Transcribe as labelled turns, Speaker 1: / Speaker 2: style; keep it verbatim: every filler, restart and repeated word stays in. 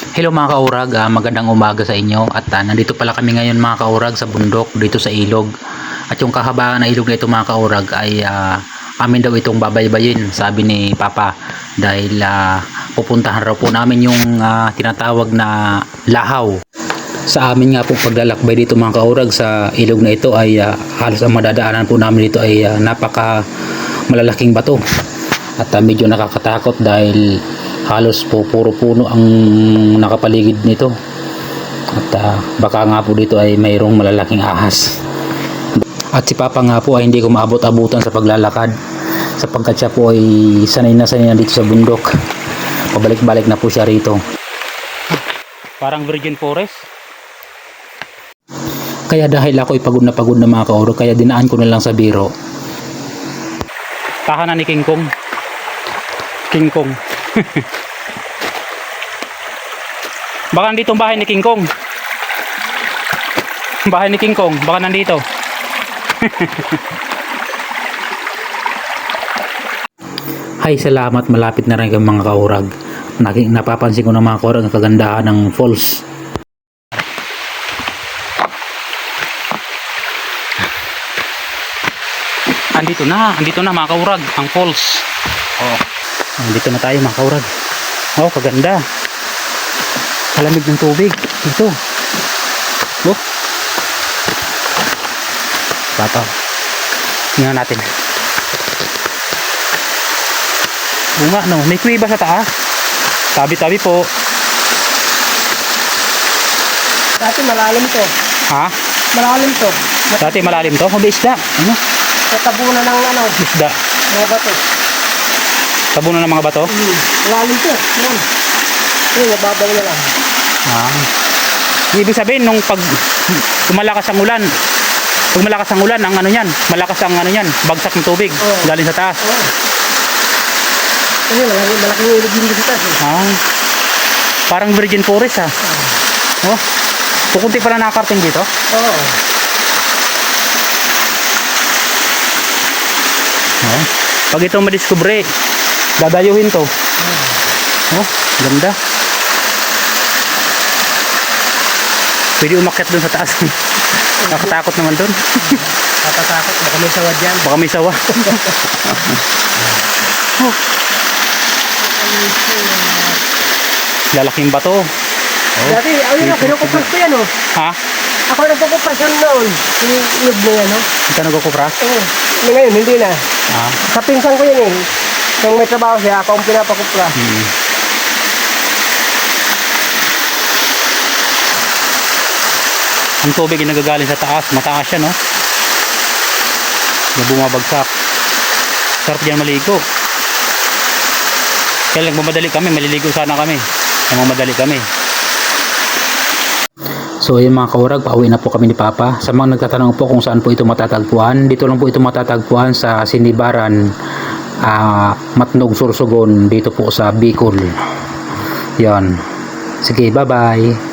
Speaker 1: Hello mga kaurag, ah, magandang umaga sa inyo at ah, nandito pala kami ngayon mga kaurag sa bundok dito sa ilog. At yung kahabaan na ilog na ito mga kaurag ay ah, amin daw itong babaybayin, sabi ni Papa, dahil ah, pupuntahan raw po namin yung ah, tinatawag na lahaw. Sa amin nga po paglalakbay dito mga kaurag sa ilog na ito ay ah, halos ang madadaanan po namin dito ay ah, napaka malalaking bato at ah, medyo nakakatakot dahil halos po puro puno ang nakapaligid nito at uh, baka nga po dito ay mayroong malalaking ahas. At si Papa nga po ay hindi ko maabot-abutan sa paglalakad sapagkat siya po ay sanay na sanay na dito sa bundok, pabalik-balik na po siya rito. Parang virgin forest. Kaya dahil ako ay pagod na pagod na mga kauro, kaya dinaan ko na lang sa biro. Tahanan ni King Kong. King Kong. Baka nandito ang bahay ni King Kong. Bahay ni King Kong, baka nandito. Hay, salamat, malapit na rin ang mga kaurag. Napapansin ko ng mga kaurag ang kagandahan ng falls. Andito na, andito na mga kaurag, ang falls. Oh. Dito na tayo mga kaurag. Oh, kaganda. Kalamig ng tubig. Ito. Oh. Papa. Tingnan natin. Oo nga, no. May kuwiba sa taas. Tabi-tabi po.
Speaker 2: Dati malalim to.
Speaker 1: Ha?
Speaker 2: Malalim to.
Speaker 1: Dati malalim to? Hindi isda. Ano?
Speaker 2: Sa tabunan ng ano.
Speaker 1: Isda.
Speaker 2: Mga bato.
Speaker 1: Tabunan ng mga bato?
Speaker 2: Hmm. Malalim to. Yan. Yan, nababaw na lang.
Speaker 1: Ah. Ibig sabihin nung pag kumalakas ang ulan, pag malakas ang ulan, ang ano niyan, malakas ang ano niyan, bagsak ng tubig,
Speaker 2: oh.
Speaker 1: Galing sa taas.
Speaker 2: Oo. Oh. Kasi malaking, malaking ilog din sa taas. Eh.
Speaker 1: Ah. Parang virgin forest ah. Oh. Oh. Kukunti pala nakakarting dito?
Speaker 2: Oo. Oh.
Speaker 1: Oh. Pag ito madiskubre, dadayuhin to. Oh, ganda. Pwede umakyat dun sa taas. Nakatakot naman dun.
Speaker 2: Nakatakot. Baka may sawa dyan.
Speaker 1: Baka may sawa. Oh. Lalaking bato. Oh.
Speaker 2: Dati, ayun na, kinukupras ko yan oh.
Speaker 1: Ha?
Speaker 2: Ako nagkukupras yan noon. Yung ilog na yan oh.
Speaker 1: Ito nagkukupras?
Speaker 2: Oo. Ngayon, hindi na.
Speaker 1: Ah.
Speaker 2: Sa pinsan ko yan eh. Nung may trabaho siya, ako ang pinapakupras.
Speaker 1: Hmm. Ang tubig ay nagagaling sa taas, mataas siya, no? Na bumabagsak. Sarap diyan maligo. Kaya lang mamadali kami, maliligo sana kami. Mamadali kami. So ayun mga kaurag, pauwi na po kami ni Papa. Sa mga nagtatanong po kung saan po ito matatagpuan, dito lang po ito matatagpuan sa Sinibaran, uh, Matnog, Sorsogon, dito po sa Bicol. Yan. Sige, bye bye.